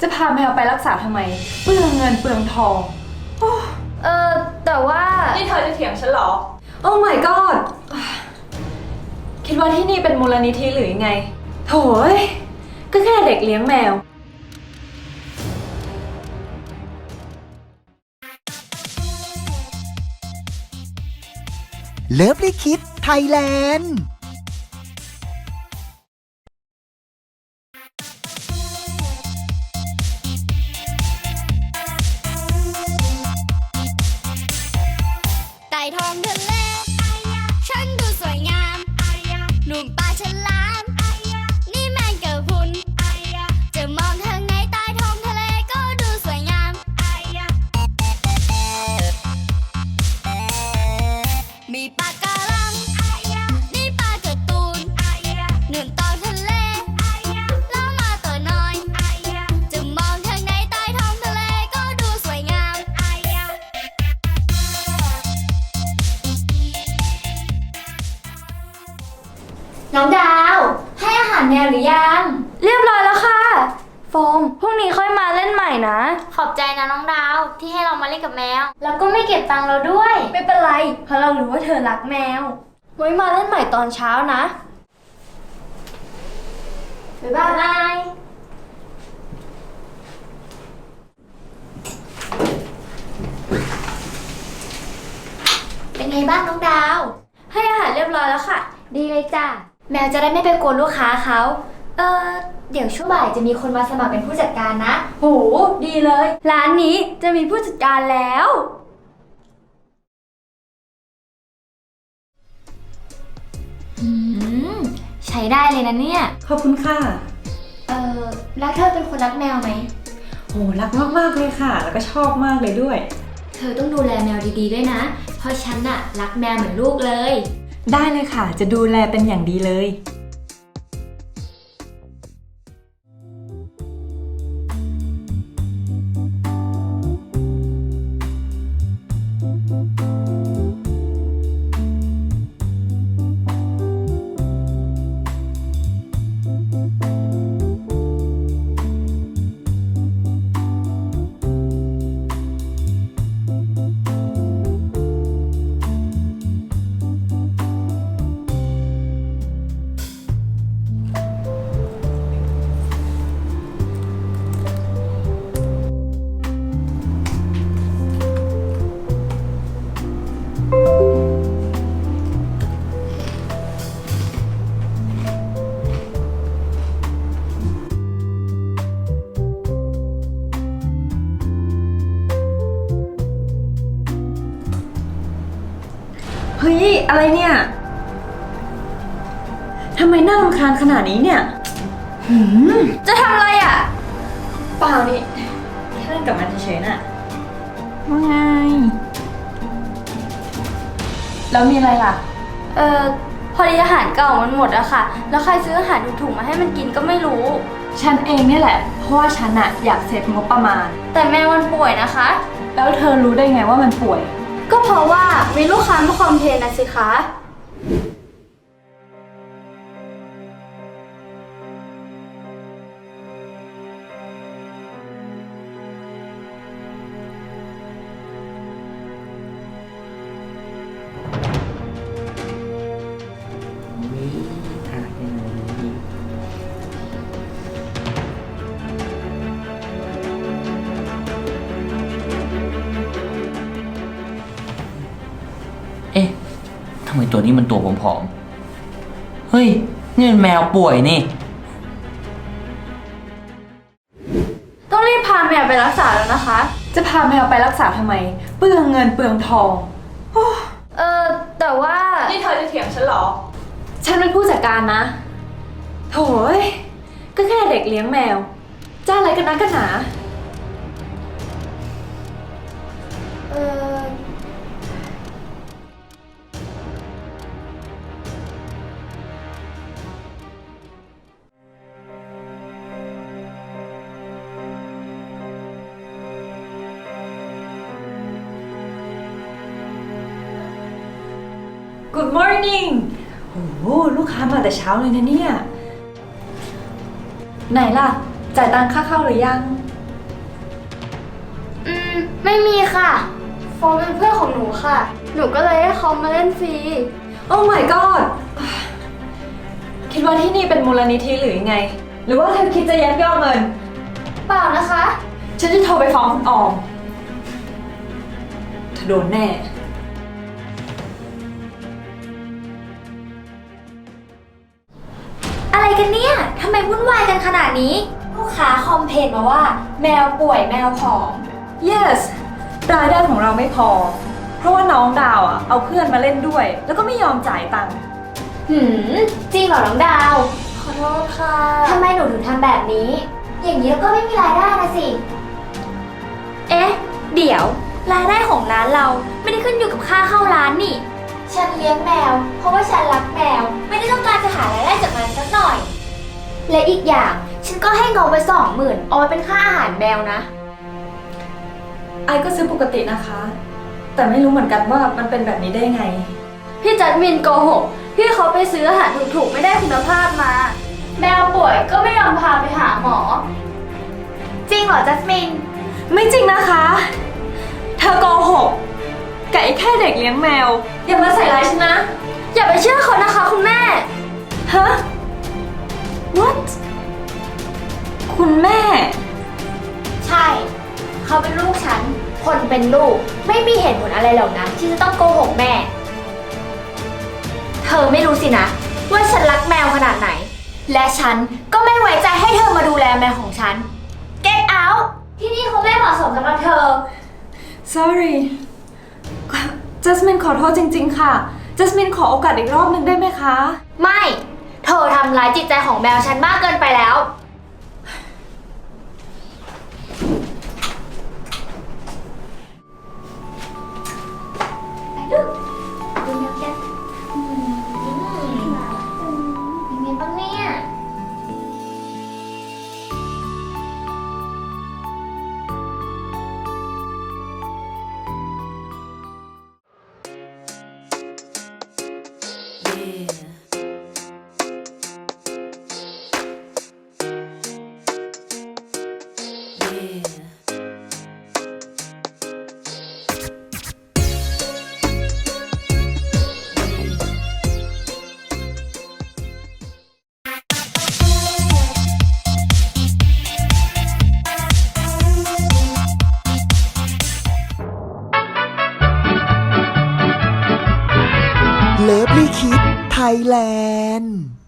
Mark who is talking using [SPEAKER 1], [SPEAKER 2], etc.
[SPEAKER 1] จะพาแมวไปรักษาทำไมเปลืองเงินเปลืองทองโอ้
[SPEAKER 2] แต่ว่า
[SPEAKER 1] นี่เธอจะเถียงฉันเหรอ โอ้ my god คิดว่าที่นี่เป็นมูลนิธิหรือยังไงโถยก็แค่เด็กเลี้ยงแมว
[SPEAKER 3] เลิฟลิคิดไทยแลนด์
[SPEAKER 4] ไต่ท้องทะเลฉันดูสวยงามหนุ่มปลาฉลามนี่แมงกะพรุนจะมองทางไหนใต้ท้องทะเลก็ดูสวยงามมีปลาการังนี่ปลาการ์ตูนหนุนตองทะเลแล้วมาตัวน้อยจะมองทางไหนใต้ท้องทะเลก็ดูสวยงามน้องดาวให้อาหารแมวหรือยัง
[SPEAKER 2] เรียบร้อยแล้วค่ะโฟมพรุ่งนี้ค่อยมาเล่นใหม่นะ
[SPEAKER 4] ขอบใจนะน้องดาวที่ให้เรามาเล่นกับแมวแล้วก็ไม่เก็บตังค์เราด้วย
[SPEAKER 2] ไม่เป็นไรเพราะเรารู้ว่าเธอรักแมวไว้มาเล่นใหม่ตอนเช้านะบ๊ายบาย
[SPEAKER 4] เป็นไงบ้างน้องดาว
[SPEAKER 2] ให้อาหารเรียบร้อยแล้วค่ะ
[SPEAKER 4] ดีเลยจ้ะแมวจะได้ไม่ไปกวนลูกค้าเขาเดี๋ยวช่วงบ่ายจะมีคนมาสมัครเป็นผู้จัดการนะ
[SPEAKER 2] โหดีเลยร้านนี้จะมีผู้จัดการแล้ว
[SPEAKER 4] ใช้ได้เลยนะเนี่ย
[SPEAKER 1] ขอบคุณค่ะ
[SPEAKER 4] แล้วเธอเป็นคนรักแมวไหม
[SPEAKER 1] โหรักมากๆเลยค่ะแล้วก็ชอบมากเลยด้วย
[SPEAKER 4] เธอต้องดูแลแมวดีๆด้วยนะเพราะฉันน่ะรักแมวเหมือนลูกเลย
[SPEAKER 1] ได้เลยค่ะจะดูแลเป็นอย่างดีเลยเฮ้ยอะไรเนี่ยทำไมน่ารำคาญขนาดนี้เนี่ย
[SPEAKER 2] จะทำอะไรอ่ะ
[SPEAKER 1] เปล่านี่แค่เล่นกับมันเฉยๆน่ะว่าไงแล้วมีอะไรล่ะ
[SPEAKER 2] พอดีอาหารเก่ามันหมดอะค่ะแล้วใครซื้ออาหารถูกๆมาให้มันกินก็ไม่รู้
[SPEAKER 1] ฉันเองเนี่ยแหละเพราะว่าฉันอะอยากเซฟงบประมาณ
[SPEAKER 2] แต่แมวมันป่วยนะคะ
[SPEAKER 1] แล้วเธอรู้ได้ไงว่ามันป่วย
[SPEAKER 2] ก็เพราะว่ามีลูกค้ามาคอมเพลนนะสิคะ
[SPEAKER 5] เอ๊ะทำไมตัวนี้มันตัวผอมๆเฮ้ยนี่มันแมวป่วยนี่
[SPEAKER 2] ต้องรีบพาแมวไปรักษาแล้วนะคะ
[SPEAKER 1] จะพาแมวไปรักษาทำไมเปลืองเงินเปลืองทอง
[SPEAKER 2] แต่ว่า
[SPEAKER 1] นี่เธอจะเถียงฉันเหรอฉันเป็นผู้จัดการนะโถยก็แค่เด็กเลี้ยงแมวจะอะไรกันนักกันหนา Good morning โอ้โหลูกค้ามาแต่เช้าเลยนะเนี่ยไหนล่ะจ่ายตังค่าเข้าหรือยัง
[SPEAKER 2] ไม่มีค่ะ โฟมเป็นเพื่อนของหนูค่ะ หนูก็เลยให้เขามาเล่นฟรี
[SPEAKER 1] โอ้ my god คิดว่าที่นี่เป็นมูลนิธิหรือยังไง หรือว่าเธอคิดจะยักยอกเงิน
[SPEAKER 2] เปล่านะคะ
[SPEAKER 1] ฉันจะโทรไปฟ้องคุณออมเธอโดนแน่
[SPEAKER 2] อะไรกันเนี่ยทำไมวุ่นวายกันขนาดนี้ลูกค้าคอมเพลนมาว่า แมวป่วยแมวผอม
[SPEAKER 1] yes รายได้ของเราไม่พอ เพราะว่าน้องดาวอ่ะเอาเพื่อนมาเล่นด้วย แล้วก็ไม่ยอมจ่ายตังค์
[SPEAKER 2] จริงเหรอน้องดาว ขอโทษค่ะทำไมหนูถึงทำแบบนี้ อย่างนี้ก็ไม่มีรายได้นะสิ เอ๊ะ เดี๋ยวรายได้ของร้านเราไม่ได้ขึ้นอยู่กับค่าเข้าร้านนี่ ฉันเลี้ยงแมว เพราะว่าฉันรักแมว ไม่ได้ต้องการจะหารายได้จากมันสักหน่อย และอีกอย่างฉันก็ให้เงินไป20,000เอาไว้เป็นค่าอาหารแมวนะ
[SPEAKER 1] ไอก็ซื้อปกตินะคะ แต่ไม่รู้เหมือนกันว่ามันเป็นแบบนี้ได้ไง
[SPEAKER 2] พี่จัดมินโกหก พี่เขาไปซื้ออาหารถูกๆไม่ได้คุณภาพมา แมวป่วยก็ไม่ยอมพาไปหาหมอ จริงเหรอจัสมิน
[SPEAKER 1] ไม่จริงนะคะ เธอโกหกไก่แค่เด็กเลี้ยงแมว อย่ามาใส่ร้ายฉันนะ
[SPEAKER 2] อย่าไปเชื่อเขานะคะคุณแม่
[SPEAKER 1] ฮะ what คุณแม่
[SPEAKER 2] ใช่ เขาเป็นลูกฉัน คนเป็นลูก ไม่มีเหตุผลอะไรหรอกนะที่จะต้องโกหกแม่ เธอไม่รู้สินะ ว่าฉันรักแมวขนาดไหน และฉันก็ไม่ไว้ใจให้เธอมาดูแลแมวของฉัน Get out ที่นี่เขาไม่เหมาะสมสำหรับเธอ
[SPEAKER 1] sorry จัสมินขอโทษจริงๆค่ะจัสมินขอโอกาสอีกรอบหนึ่งได้ไหมคะ
[SPEAKER 2] ไม่ เธอทำร้ายจิตใจของแมวฉันมากเกินไปแล้ว ไปลูกดูแมวกันยังไงบ้างเนี่ย
[SPEAKER 3] เลิฟลี่คิดไทยแลนด์